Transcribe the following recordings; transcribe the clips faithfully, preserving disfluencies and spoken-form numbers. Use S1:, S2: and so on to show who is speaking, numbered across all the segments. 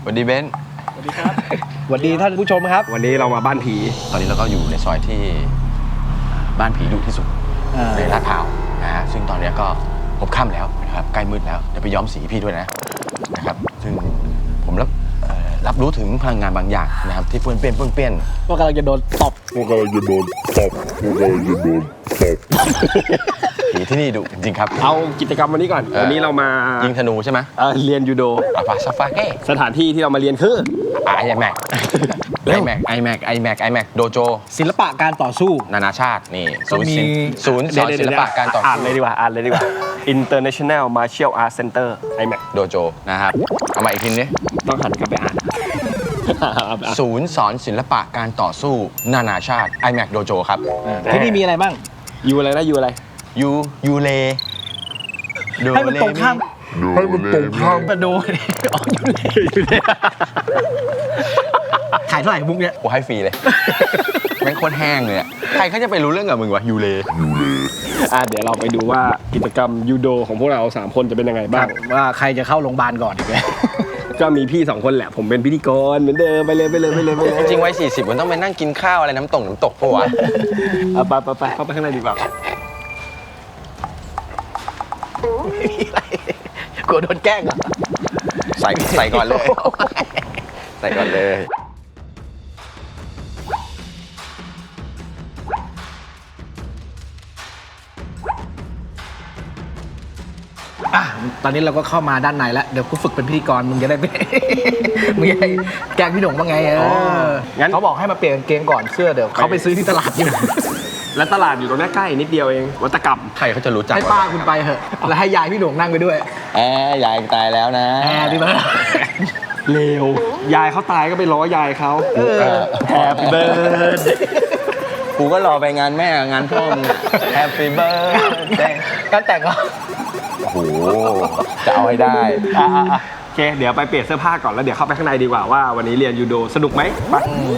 S1: สวัสดีเบนซ์
S2: สวัสดีครับสวัสดีท่านผู้ชมครับวันนี้เรามาบ้านผี
S1: ตอนนี้เราก็อยู่ในซอยที่บ้านผีดุที่สุดในลาดพร้าวนะฮะซึ่งตอนนี้ก็พบค่ำแล้วนะครับใกล้มืดแล้วเดี๋ยวไปย้อมสีพี่ด้วยนะนะครับซึ่งผมรับรับรู้ถึงพลังงานบางอย่างนะครับที่เปื้อนเปี้ยนเปื้อนเปี้ยน
S2: ว่ากำลังจะโดนตบ
S3: ว่ากำลังจะโดนตบว่ากำลังจะโดนตบ
S1: ผีที่นี่ดุจริงๆครับ
S2: เอากิจกรรมวันนี้ก่อนวันนี้เรามา
S1: ยิงธนูใช่ไหม
S2: เรียนยูโด
S1: อาฟาซาฟาเก้
S2: สถานที่ที่เรามาเรียนคือ
S1: ไอแม็กไอแม็กไอแม็กไอแม็กไอแม็กโดโจ
S2: ศิลปะการต่อสู้
S1: นานาชาตินี่ศูนย์ศูนย์สอนศิลปะการต่อสู้
S2: อ่านเลยดีกว่าอ่านเลยดีกว่า International Martial Arts Center ไอแม็ก
S1: โดโจนะครับเอามาอีกทีนี้
S2: ต้องหันกลับไปอ่าน
S1: ศูนย์สอนศิลปะการต่อสู้นานาชาติ ไอแม็ก โดโจครับ
S2: ที่นี่มีอะไรบ้างยูอะไรนะยูอะไร
S1: ยูยูเล
S2: ให้มันตรงข้าม
S3: ให้มันตรงข้าม
S2: มาดูอ๋อยูเลยูเลขายเท่าไหร่มุกเนี้ย
S1: กูให้ฟรีเลยแม่งโคตรแห้งเลยใครเขาจะไปรู้เรื่องกับมึงวะยูเล
S3: ยูเล
S2: อ่ะเดี๋ยวเราไปดูว่ากิจกรรมยูโดของพวกเราสามคนจะเป็นยังไงบ้างว่าใครจะเข้าโรงพยาบาลก่อนอีกไหมก็มีพี่สองคนแหละผมเป็นพิธีกรเหมือนเดิมไปเลยไปเลยไปเลยไปเลย
S1: จริงๆไว้สี่สิบมันต้องไปนั่งกินข้าวอะไรน้ำตกน้ำตกปะวะ
S2: เอาไปไปไปเข้าไปข้างในดีกว่าไม่มีอะไรกลัวโดนแกล้งอ่ะ
S1: ใส่ใส่ก่อนเลยใส่ก่อนเลย
S2: อ่ะตอนนี้เราก็เข้ามาด้านในแล้วเดี๋ยวกูฝึกเป็นพิธีกรมึงจะได้ไม่มึงจะได้แกล้งพี่หนุ่มบ้างไงเอองั้นเขาบอกให้มาเปลี่ยนกางเกงก่อนเสื้อเดี๋ยวเขาไปซื้อที่ตลาดอยู่และตลาดอยู่ตรงนี้ใกล้นิดเดียวเองวัตกรรม
S1: ใครเขาจะรู้จัก
S2: ให้ป้าคุณไปเถอะแล้วให้ยายพี่หนุ่มนั่งไปด้วย
S1: แอบยายตายแล้วนะ
S2: แอบดีมั้ยเลวยายเขาตายก็ไปล้อยายเขาแฮปปี้เบิร์ด
S1: กูก็รอไปงานแม่งานพ่อมึงแฮปปี้เบิร์ด
S2: การแต่งเหรอ
S1: โอ้โหจะเอาให้ได้
S2: อ่ะโอเคเดี๋ยวไปเปลี่ยนเสื้อผ้าก่อนแล้วเดี๋ยวเข้าไปข้างในดีกว่าว่าวันนี้เรียนยูโดสนุกไหมไป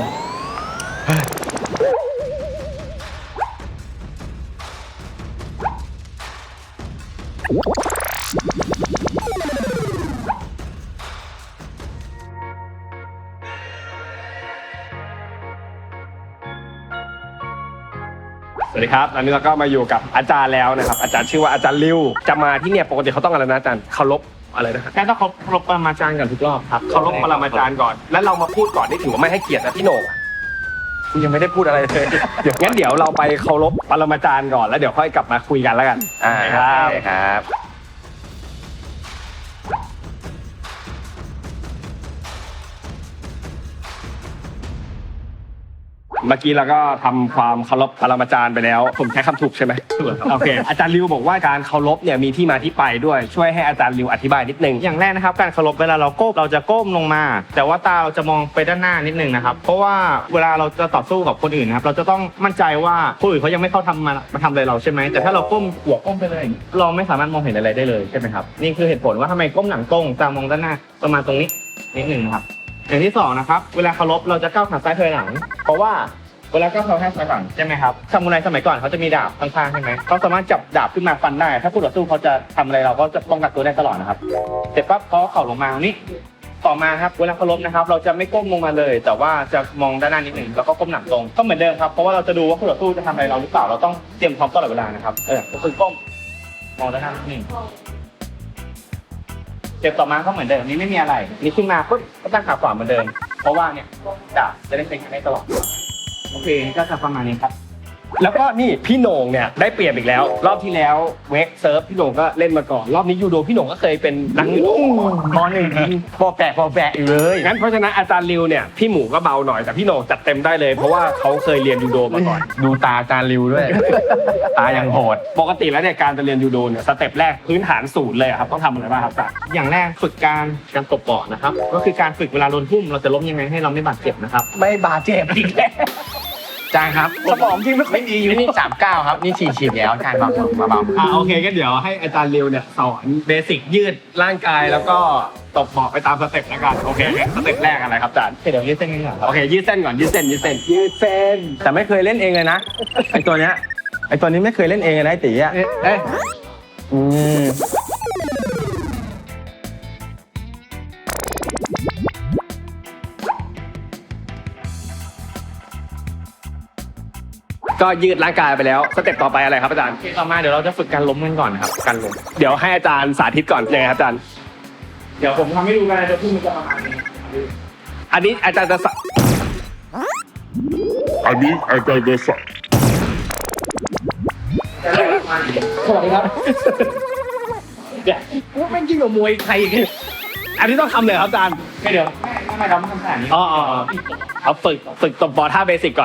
S2: สวัสดีครับตอนนี้เราก็มาอยู่กับอาจารย์แล้วนะครับอาจารย์ชื่อว่าอาจารย์ริวจะมาที่เนี่ยปกติเขาต้องอะไรนะอาจารย์เคารพอะไรนะครับ
S4: การต้องเคารพปรมาจารย์ก่อนทุกรอบครับ
S2: เคารพปรมาจารย์ก่อนแล้วเรามาพูดก่อนนี่ถือว่าไม่ให้เกียรตินะพี่โหน่งคุณยังไม่ได้พูดอะไรเลยเดี๋ยวงั้นเดี๋ยวเราไปเคารพปรมาจารย์ก่อนแล้วเดี๋ยวค่อยกลับมาคุยกันแล้วกัน
S1: อ่าครับครับ
S2: เมื่อกี้เราก็ทำความเคารพปรมาจารย์ไปแล้วผมใช้คำถูกใช่ไหมถูกครับโอเคอาจารย์ริวบอกว่าการเคารพเนี่ยมีที่มาที่ไปด้วยช่วยให้อาจารย์ริวอธิบายนิดนึง
S4: อย่างแรกนะครับการเคารพเวลาเราก้มเราจะก้มลงมาแต่ว่าตาเราจะมองไปด้านหน้านิดนึงนะครับเพราะว่าเวลาเราจะต่อสู้กับคนอื่นนะครับเราจะต้องมั่นใจว่าคนอื่นเขายังไม่เข้าทำมามาทำอะไรเราใช่ไหมแต่ถ้าเราก้มหัวก้มไปเลยเราไม่สามารถมองเห็นอะไรได้เลยใช่ไหมครับนี่คือเหตุผลว่าทำไมก้มหลังตรงตามองด้านหน้าประมาณตรงนี้นิดนึงนะครับอย่างที่สองนะครับเวลาเคารพเราจะก้าวขาซ้ายถอยหลังเพราะว่าเวลาก้าวเท้าข้างซ้ายก่อนใช่ไหมครับซามูไรสมัยก่อนเขาจะมีดาบข้างๆใช่ไหมเขาสามารถจับดาบขึ้นมาฟันได้ถ้าคู่ต่อสู้เขาจะทำอะไรเราก็จะป้องกันตัวได้ตลอดนะครับเสร็จปั๊บเขาเข่าลงมานี่ต่อมาครับเวลาเคารพนะครับเราจะไม่ก้มลงมาเลยแต่ว่าจะมองด้านหน้านิดหนึ่งแล้วก็ก้มหนักลงก็เหมือนเดิมครับเพราะว่าเราจะดูว่าคู่ต่อสู้จะทำอะไรเราหรือเปล่าเราต้องเตรียมพร้อมตลอดเวลานะครับเออก็คือก้มมองด้านหน้านิดหนึ่งเสร็จต่อมาก็เหมือนเดิมนี่ไม่มีอะไรนี่ขึ้นมาปุ๊บก็ตั้งขาขวาเหมือนเดิมเพราะว่าเนี่ยดาบจะได้ใช้งานได้ตลอดโอเคก็จะประมาณนี้ครับแล้วก็นี่พี่โหน่งเนี่ยได้เปรียบอีกแล้วรอบที่แล้วเวกเซิร์ฟพี่โหน่งก็เล่นมาก่อนรอบนี้ยูโดพี่โหน่งก็เคยเป็นนักมอหนึ่งปอแปะปอแปะอยู่เลยงั้นเพราะฉะนั้นอาจารย์ริวเนี่ยพี่หมูก็เบาหน่อยแต่พี่โหน่งจัดเต็มได้เลยเพราะว่าเขาเคยเรียนยูโดมาก่อน
S1: ดูตาอาจารย์ริวด้วยตายังโหด
S2: ปกติแล้วเนี่ยการจะเรียนยูโดเนี่ยสเต็ปแรกพื้นฐานศูนย์เลยครับต้องทำอะไรบ้างครับอาจารย์
S4: อย่างแรกฝึกการการตบเบาะนะครับก็คือการฝึกเวลาโดนทุ่มเราจะล้มยังไงให้เราไม่บาดเจ็บนะครับ
S2: ไม่บาดเจ็บอีกแล้ว
S1: จานครับ
S2: สมองจริงไม่ค่อยดีอยู่
S1: นี่สามเก้าครับนี่ฉีดฉีดแล้วจานเบาเบา
S2: อ่าโอเคก็เดี๋ยวให้อาจารย์ริวเนี่ยสอนเบสิกยืดร่างกายแล้วก็ตบเบาะไปตามสเต็ปแล้วกันโอเคสเต็ปแรกอะไรครับอาจารย์
S4: เดี๋ยวยืดเส้นก่อน
S2: โอเคยืดเส้นก่อนยืดเส้นยืดเส้นยืดเส้น
S1: แต่ไม่เคยเล่นเองเลยนะไอตัวเนี้ยไอตัวนี้ไม่เคยเล่นเองเลยนะไอตีอ่ะ
S2: เอ๊ะ
S1: อืม
S5: ก็ยืดร่างกายไปแล้วสเต็ปต่อไปอะไรครับอาจารย์
S4: ต่อมาเดี๋ยวเราจะฝึกการล้มกันก่อนนะครับการล้ม
S5: เดี๋ยวให้อาจารย์สาธิตก่อนยังไงครับอาจารย์
S4: เดี๋ยวผมทำให้ดูกันนะเดี๋ยวพี่มันจะประมาณนี้
S5: อันนี้อาจารย์จะสะ
S3: อันนี้อาจารย์จะสอน
S5: สวัสดีครับเดี๋ยวแม่งยิ่งกว่ามวยไทยอีกอันนี้ต้องทำเลยครับอาจารย์
S4: ไม่เดี๋ยวไม่ไม่ทำทำขนาดนี้
S5: อ๋ออ๋อเอาฝึกฝึกตบบอลท่าเบสิกก่อน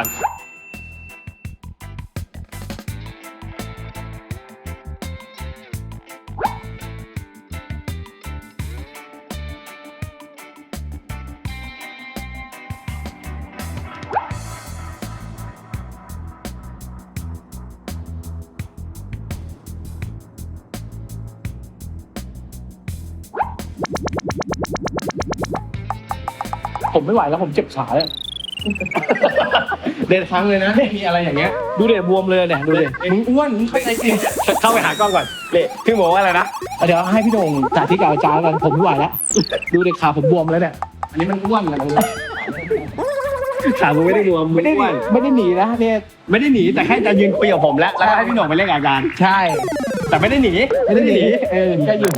S5: ผมไม่ไหวแล้วผมเจ็บขาเลย เดินครั้งเลยนะมีอะไรอย่างเงี้ยดูเด็บวมเลยเนี่ยดูเด็มึงอ้วนมึงเข้าใจสิเข้าไปหากล้องก่อนเด็พี่หมูว่าอะไรนะ
S2: เดี๋ยวให้พี่โด่งสาธิตกับอาจารย์กันผมไม่ไหวแล้วดูเด็กขาผมบวมแล้วเนี่ย
S5: อันนี้มันอ้วนกันขามึงไม่ได้บวมมึ
S2: ไม่
S5: ง
S2: ได้
S5: อ้วน
S2: ไม่ได้หนีนะเนี่ย
S5: ไม่ได้หนีแต่แค่จะยืนคุยกับผมแล้วแล้วให้พี่หนุ่มไปเล่นอาการ
S2: ใช่
S5: แต่ไม่ได้หนี
S2: ไม่ได้หนีเออแค่อยู่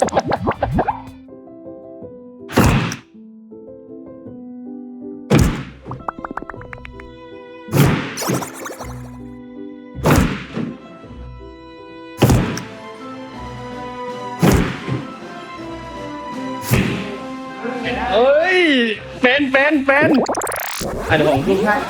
S5: เอ้ยเป็นเป็นเป็นอันนี้ผมทุ่มให้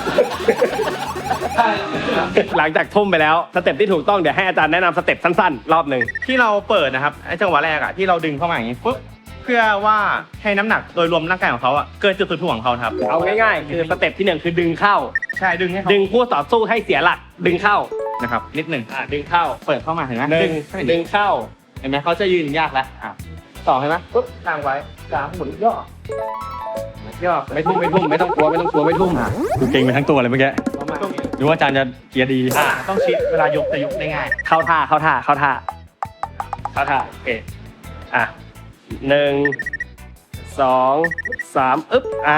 S5: หลังจากทุ่มไปแล้วสเต็ปที่ถูกต้องเดี๋ยวให้อาจารย์แนะนำสเต็ปสั้นๆ รอบหนึ่ง
S4: ที่เราเปิดนะครับไอ้จังหวะแรกอะที่เราดึงเข้ามาอย่างนี้ปุ๊บเพื่อว่าให้น้ำหนักโดยรวมร่างกายของเขาอะเกินจุดสุดถ่วงของเขาครับ
S5: เอาง่ายๆคือสเต็ปที่หนึ่งคือดึงเข้า
S4: ใช่ดึงให้เขา
S5: ดึงคู่ต่อสู้ให้เสียหลักดึงเข้า
S4: นะครับนิดหนึ่ง
S5: อ่าดึงเข้า
S4: เปิดเข้ามาเห็นไหม
S5: ดึงดึงเข้า
S4: เห็นไหมเขาจะยืนยากแล้วอ่ะต่อเห็นไหมปุ๊บตั้งไว้กลางหมุนย่อย่อ
S5: ไม่ทุ่มไม่ทุ่มไม่ต้องกลัวไม่ต้องกลัวไม่ทุ่มกูเก่งไปทั้งตัวเลยเมื่อกี้
S4: ประมาณนี้
S5: หรือว่าอาจารย์จะเกียร์ดี
S4: อ่ะต้องชิดเวลายกจะยกได้ง่าย
S5: เข้าท่าเข้าท่าเข้าท่าเข้าท่าโอเคอ่ะหนึ่งสองสามอึ๊บอ่า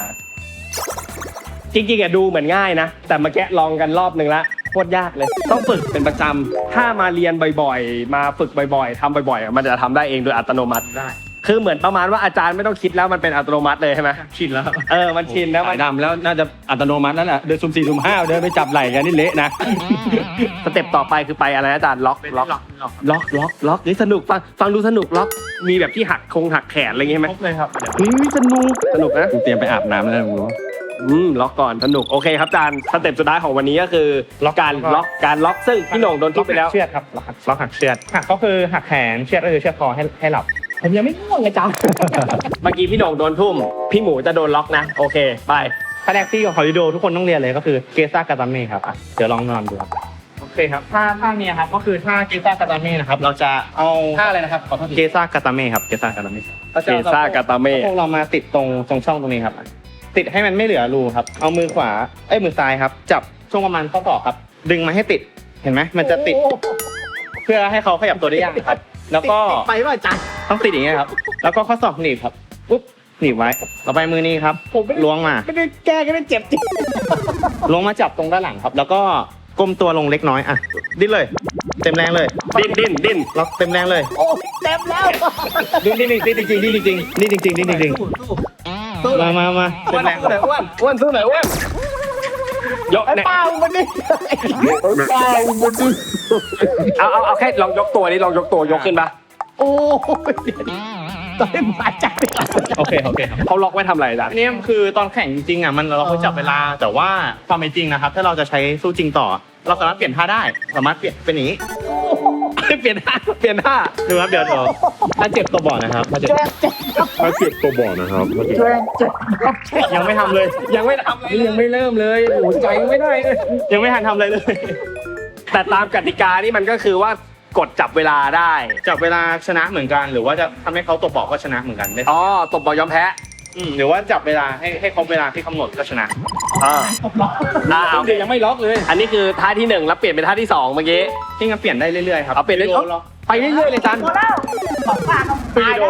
S5: จริงๆอะดูเหมือนง่ายนะแต่เมื่อกี้ลองกันรอบหนึ่งละโคตรยากเลยต้องฝึกเป็นประจำถ้ามาเรียนบ่อยๆ มาฝึกบ่อยๆทำบ่อยๆ มันจะทำได้เองโดยอัตโนมัติ
S4: ได้
S5: คือเหมือนประมาณว่าอาจารย์ไม่ต้องคิดแล้วมันเป็นอัตโนมัติเลยใช่ไหม
S4: ชินแล้ว
S5: เออมันชินแล้วมัน
S6: สายดำแล้วน่าจะอัตโนมัติแล้วแหละเดินซุ่มสี่ซุ่มห้าเดินไปจับไหล่กันนี่เละนะ
S5: สเต็ปต่อไปคือไปอะไรนะอาจารย์ล็อก
S4: เป็น
S5: ล็อก
S4: ล็อกล็อก
S5: ล็อกล็อกล็อกนี่สนุกฟังฟังดูสนุกล็อกมีแบบที่หักคงหักแขนอะไรอย่างงี้ไหม
S4: ครบเลยครับเดี๋ยว
S5: เฮ้ยสนุกสนุกนะ
S6: กูเตรียมไปอาบน้ำแล้วนะมึงรู้
S5: อืมล็อกก่อนสนุกโอเคครับอาจารย์สเต็ปสุดท้ายของวันนี้ก็คือการล็อกการล็อกซึ่งพี่โหน่งโดนทุบไปแล้ว
S4: เชือดครับล็อกหักล็อกหักเชือดหักก็คือหักแขนเชือดก็คือเชือดคอให้ให้หลับ
S2: ผมยังไม่ง่วงอาจารย์
S5: เมื่อกี้พี่โหน่งโดนทุ่มพี่หมูจะโดนล็อกนะโอเคไป
S4: ท่าแรกที่ของฮอลิโดทุกคนต้องเรียนเลยก็คือเกซ่ากาตาเม่ครับอ่ะเดี๋ยวลองนอนดูครับโอเคครับท่าท่านี้ครับก็คือท่าเกซ่ากาตาเม่นะครับเราจะเอา
S2: ท่าอะไรนะครับขอโทษที
S4: เกซ่ากาตาเม่ครับเกซ่ากาตาเม่
S5: เกซ่ากาตาเม่
S4: พวกเรามาติดตรงตรงช่องตรงนี้ครับติดให้มันไม่เหลือรูครับเอามือขวาเอ้ยมือซ้ายครับจับช่วงประมาณข้อศอกครับดึงมาให้ติดเห็นไหมมันจะติด เพื่อให้เขาขยับตัวได้ยากครับ แล้วก็
S2: ไปว่าอาจารย์
S4: ต้องติดอย่างเงี้ยครับ แล้วก็ข้อศอกหนีบครับปุ๊บหนีบไว้ต่อไปมือนี้ครับล้วงมา
S2: ไม่ได้แก้ก็ได้เจ็บจริง
S4: ลงมาจับตรงด้านหลังครับ แล้วก็ก้มตัวลงเล็กน้อยอ่ะดิ้นเลย เต็มแรงเลย
S5: ดิ้นดิ้นดิ้น
S4: ล็อกเต็มแรงเลย
S2: โอ้เต็มแล้ว
S4: ดิ้นดิ้นดิ้นจริงดิ้นจริงดิ้นจริงดิ้นจริงมามามาเต็มแรง
S5: อ้วนอ้วนอ้วนสู้หน่อยอ้วนยก
S2: ไอ้
S5: เนี่ย
S2: เป้ามันนี่
S3: เปล่ามันดิ
S5: เอาเอาเอาแค่ลองยกตัวนี้ลองยกตัวยกขึ้นปะ
S2: โอ้ยเดี๋ยวตอนนี้มาจับ
S4: โอเคโอเคครับ
S5: เขาล็อกไว้ทำอะไรอาจารย์
S4: อันนี้คือตอนแข่งจริงๆอ่ะมันเราเคยจับเวลา แต่ว่าความเป็นจริงนะครับ ถ้าเราจะใช้สู้จริงต่อ เราสามารถเปลี่ยนท่าได้สามารถเปลี่ยนเป็นอย่างนี้
S5: เปลี่ยนท่าเปลี่ยนท่า
S4: ดูครับเดี๋ยวเดี๋ยวถ้าเจ็บตัวบ่อนะครับถ้าเจ็บ
S3: ถ้าเจ็บตัวบ่อนะครับถ้าเจ็บ
S4: ยังไม่ทำเลย
S5: ยังไม่ทำเลย
S2: ยังไม่เริ่มเลยโอ้ใจไม่ได้เลย
S4: ยังไม่ทันทำอะไรเลย
S5: แต่ตามกติกานี่มันก็คือว่ากดจับเวลาได้
S4: จับเวลาชนะเหมือนกัน หรือว่าจะทำให้เขาตกบ่อก็ชนะเหมือนกันได้
S5: อ๋อตบบอลยอมแพ้
S4: อืมหรือว่าจับเวลาให้ให้ครบเวลาที่กำหนดก็ชนะ
S5: อ่าอ่าเอา
S2: เดี๋ยวยังไม่ล็อกเลย
S5: อันนี้คือท่าที่หนึ่งแล้วเปลี่ยนเป็นท่าที่สองเมื่อกี้
S4: ที่งั้นเปลี่ยนได้เรื่อยๆครับ
S5: เอาเปลี่ยนเรื่อยๆ
S4: วิดีโ
S5: ไปเรื่อยๆเลยจัน
S2: สองข้างต้องตายแล้ว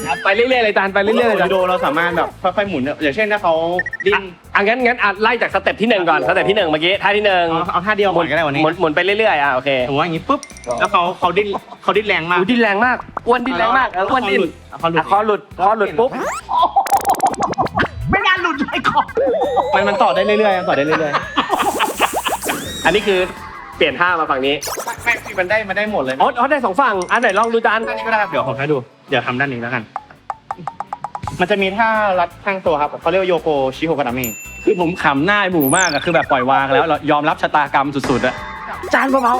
S5: ไปเรื่อยๆเลยอาจารย์ไปเรื่อยๆเลย
S4: ยูโดเราสามารถแบบค่อยๆหมุนเนี่ยอย่างเช่นถ้าเขาดิ้น
S5: อ่ะงั้นงั้นอ่ะไล่จากสเต็ปที่หนึ่งก่อนสเต็ปที่หนึ่งเมื่อกี้ท่าที่หนึ่ง
S4: เอาเอาท่าเดียวก่อนก็ได้วันนี้
S5: หมุนหมุนไปเรื่อยๆอ่ะโอเค
S4: สมมติว่าอย่างนี้ปุ๊บแล้วเขาเขาดิ้นเขาดิ้นแรงมาก
S5: อู้ดิ้นแรงมากอ้วนดิ้นแรงมากเอออ้วนดิ้น
S4: เขาหลุด
S5: อ่ะคอหลุดคอหลุดปุ๊บ
S2: ไม่น่าหลุดเลยก่อน
S4: มันมันต่อได้เรื่อยๆต่อได้เรื่อย
S5: อันนี้คือเปลี่ยนท่ามาฝั่งนี้
S4: ๆไม่ไม่มันได้มันได้หมดเลย
S5: อ๋ออ๋อได้สองฝั่งอันไหนลองดูจาน
S4: ด้านนี้ก็ได้ครับเดี๋ยวผมให้ดูเดี๋ยวทำด้านนี้แล้วกัน มันจะมีท่ารัดข้างตัวครับเขาเรียกว่าโยโกชิโฮกาดามิ
S6: คือผมขำหน้าไอ้หมูมากอะคือแบบปล่อยวางแล้วเรายอมรับชะตากรรมสุดๆอะ
S5: จานเบา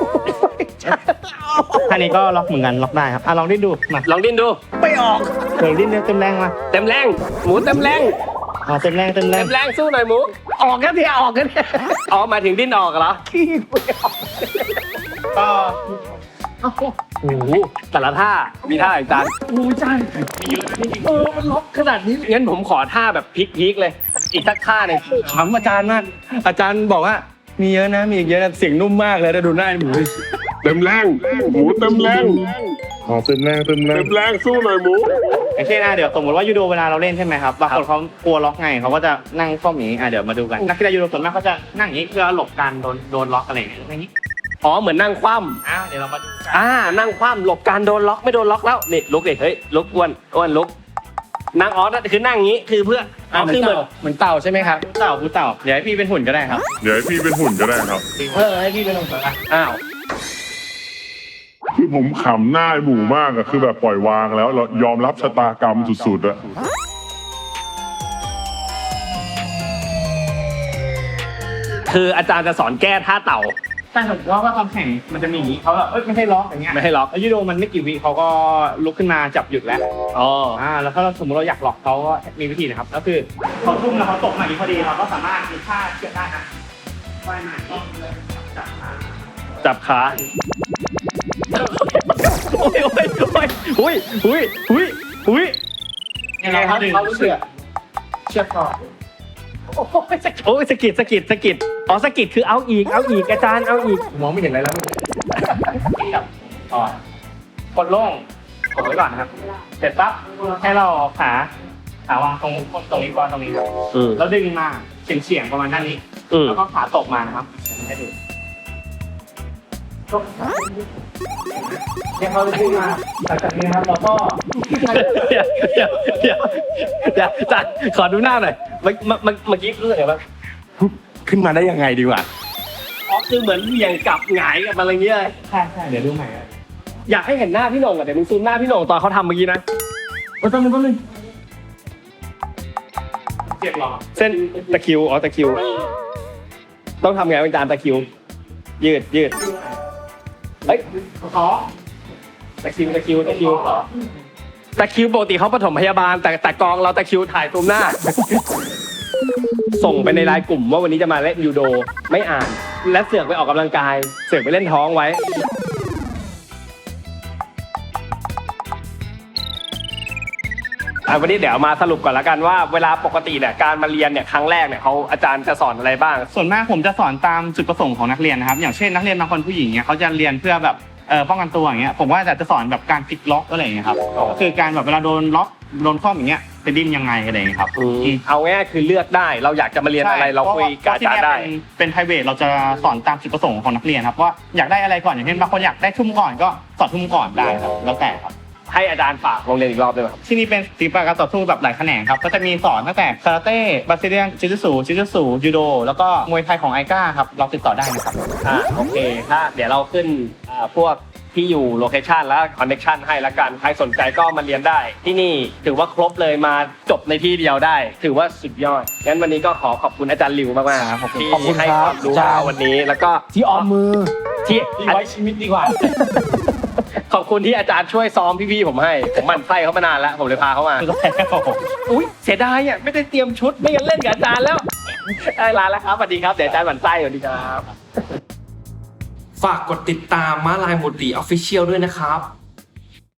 S4: ท่านี้ก็ล็อกเหมือนกันล็อกได้ครับอ่ะลองดิ้นดูมา
S5: ๆลองดิ้นดู
S2: ไม่ออก
S4: เดี๋ยวดิ้นเต็มแรงมา
S5: เต็มแรงหมูเต็มแรง
S4: อ๋อเต็มแรงเต็มแร
S5: เต็
S4: ง
S5: มแรงสู้หน่อยหมู
S2: ออกกันทีออกกันที
S5: อ๋อหมายถึงดิ้นออกเหรอ
S2: ขี้ไม่ออก
S4: ก็
S5: โอ้โหแต่ละท่ามีท่าอะไรจาน
S2: โอ้ยจ้าเออมันล็อกขนาดนี้
S5: งั้นผมขอท่าแบบพีคๆเลย อีกสักท่าหนึ่ง
S6: ขำอาจารย์มาก อาจารย์บอกว่ามีเยอะนะมีอีกเยอะนะเสียงนุ่มมากเลยนะดูหน้าไอ้หมู
S3: เต็มแรงหมูเต็มแรงอ๋อเต็มแรงเต็มแรงเต็มแรงสู้หน่อยหมู
S4: อย่างเช่นนะเดี๋ยวสมมติว่ายูโดเวลาเราเล่นใช่ไหมครับบางคนเขากลัวล็อกไงเขาก็จะนั่งคล่อมอย่างนี้อ่ะเดี๋ยวมาดูกันนักกีฬายูโดส่วนมากเขาจะนั่งอย่างนี้เพื่อหลบการโดนโดนล็อกอะไรอย่างเงี้ยอย่างนี้
S5: อ๋อเหมือนนั่งคว่
S4: อ้าวเดี๋ยวเรามาดูกัน
S5: ำอ่านั่งคว่ำหลบการโดนล็อกไม่โดนล็อกแล้วนี่ลุกดิเฮ้ยลุกอ้วนอ้วนลุกนั่งอ๋อนั่นคือนั่งอย่างนี้คือเพื่ออ๋อคือเหมือน
S2: เหมือนเต่าใช่ไหมครับ
S4: ผู้เต่าผู้เต่าเดี๋ยวให้พี่เป็นหุ่นก็ได้ครับ
S3: เดี๋ยวให้พี่เป็นหุ่นก็ได้ครับ
S2: เออให้พี่เป็นลงเสือ
S5: อ้าว
S3: คือผมขำหน้าไอ้หมูมากอะคือแบบปล่อยวางแล้วเรายอมรับชะตากรรมสุดๆอะ
S5: คืออาจารย์จะสอนแก้ท่าเต่า
S4: ใช่ผมว่าว่าความแข่งมันจะมีอย่างนี้เขาแบบเอ้ยไม่ให้ล็อกอย่างเงี้ย
S5: ไม่ให้ล็อก
S4: แล้วยูโดมันไม่กี่วิเขาก็ลุกขึ้นมาจับหยุดแล้ว
S5: อ๋อ
S4: อ่าแล้วถ้าเราสมมติเราอยากล็อกเขาก็มีวิธีนะครับก็คือเขาทุ่มแล้วเขาตกมาอีกพอดีเราก็สามารถมีท่าเชือกได้นะว่ายน้ำก็จับขา
S5: จับขาโอ้ยโอ้ยโอ้ยหุยหุยหุยหุย
S4: ยังไงครับเขารู้สึกเชือกคอ
S5: โอ้ยสะโอ้ยสะกิดสะกิดสะกิดอ๋อสะกิดคือเอาอีกเอาอีกอาจารย์เอาอีก
S2: มองไม่เห็นอะไรแล้ว
S4: จับคอกดโล่งกดไว้ก่อนนะครับเสร็จปั๊บให้เราขาขาวางตรงตรงนี้ก่อนตรงนี้ครับ
S5: อืม
S4: แล้วดึงมาเฉียงเฉียงๆประมาณด้านนี้
S5: อืม
S4: แล้วก็ขาตกมานะครับให้ดูเนี่ยเขาจะดึงมาหลังจากนี้นะครับเราก็
S5: เดี๋ยวเดี๋ยวเดี๋ยวเดี๋ยวอาจารย์ขอดูหน้าหน่อยเมื่อเมื่อเมื่อเมื่อกี้รู้สึกไงบ้าง
S6: ขึ้นมาได้ยังไงดีวะ
S5: อ๋อคือเหมือนเหวี่ยงกลับหงายกับอะไรเงี้ย
S4: ใช่ใช่เดี๋ยวดูใหม่ครับ
S5: อยากให้เห็นหน้าพี่โหน่งอ่ะเดี๋ยวมึงซูมหน้าพี่โหน่งตอนเขาทำเมื่อกี้นะ
S4: โอ้ยต้องนึงต้องนึงเจ็บหรอ
S5: เส้นตะคริวอ๋อตะคริว ต้องทำไงอาจารย์ตะคริว ยืดยืดเฮ้ย
S4: ขอ
S5: ตะคริวตะคริวตะคริวตะคริวปกติเขาปฐมพยาบาล แต่แต่กองเราตะคริวถ่ายซูมหน้า ส่งไปในไลน์กลุ่มว่าวันนี้จะมาเล่นยูโดไม่อ่าน และเสือกไปออกกำลังกาย เสือกไปเล่นท้องไว้ อ่ะวันนี้เดี๋ยวมาสรุปก่อนละกันว่าเวลาปกติเนี่ยการมาเรียนเนี่ยครั้งแรกเนี่ยเขาอาจารย์จะสอนอะไรบ้าง
S4: ส่วนมากผมจะสอนตามจุดประสงค์ของนักเรียนนะครับ อย่างเช่นนักเรียนบางคนผู้หญิงเนี่ยเขาจะเรียนเพื่อแบบเอ่อป้องกันตัวอย่างเงี้ยผมว่าจะจะสอนแบบการพลิกล็อกอะไรอย่างเงี้ยครับ
S5: อ๋อ
S4: ก็คือการแบบเวลาโดนล็อกโดนข้อมอย่างเงี้ยจะดิ้นยังไงอะไรอย่างเงี้ยครับ
S5: อืมเอาง่ายๆคือเลือกได้ เราอยากจะมาเรียนอะไรเราคุยกับอาจารย์ได้
S4: เพะว่ที่เนี่ยเป็นเป็น private เราจะสอนตามจุดประสงค์ของนักเรียนครับว่าอยากได้อะไรก่อนอย่างเช่นบางคนอยากได้ทุ่มก่อนก็สอนทุ่มก่อนได้ครับแล้วแต่ครับ
S5: ให้อาจารย์ฝากโรงเรียนอีกรอบได้ไหมครับ
S4: ที่นี่เป็นศิลปะการต่อสู้แบบหลายแขนงครับ ก็จะมีสอนตั้งแต่คาราเต้บราซิเลียนจิวจิตสุจิวจิตสุยูโดแล้วก็มวยไทยของไอก้าครับเราติดต่อได้นะครับ
S5: อ่าโอเคถ้าเดี๋ยวเราขึ้นอ่าพวกที่อยู่โลเคชันและคอนเนคชันให้ละกันใครสนใจก็มาเรียนได้ ที่นี่ถือว่าครบเลยมาจบในที่เดียวได้ ถือว่าสุดยอดงั้นวันนี้ก็ขอขอบคุณอาจารย์หลิวมากๆครับที่
S2: ขอบคุณ
S5: ให้
S2: ค
S5: ครับ วามรู้เราวันนี้แล้วก็
S2: ที่ออมมือ
S5: ที่
S2: ที่ไว้ชีวิตดีกว่า
S5: ขอบคุณที่อาจารย์ช่วยซ้อมพี่ๆผมให้ผมหมั่นไส้เขามานานแล้วผมเลยพาเขามา อุ้ยเสียดายอ่ะไม่ได้เตรียมชุดไม่งั้นเล่นกับอาจารย์แล้วได้ลาแล้วครับสวัสดีครับเดี๋ยวอาจารย์หมั่นไส้สวัสดีครับ
S7: ฝากกดติดตามม้าลายหมุดหลีออฟฟิเชียลด้วยนะครับ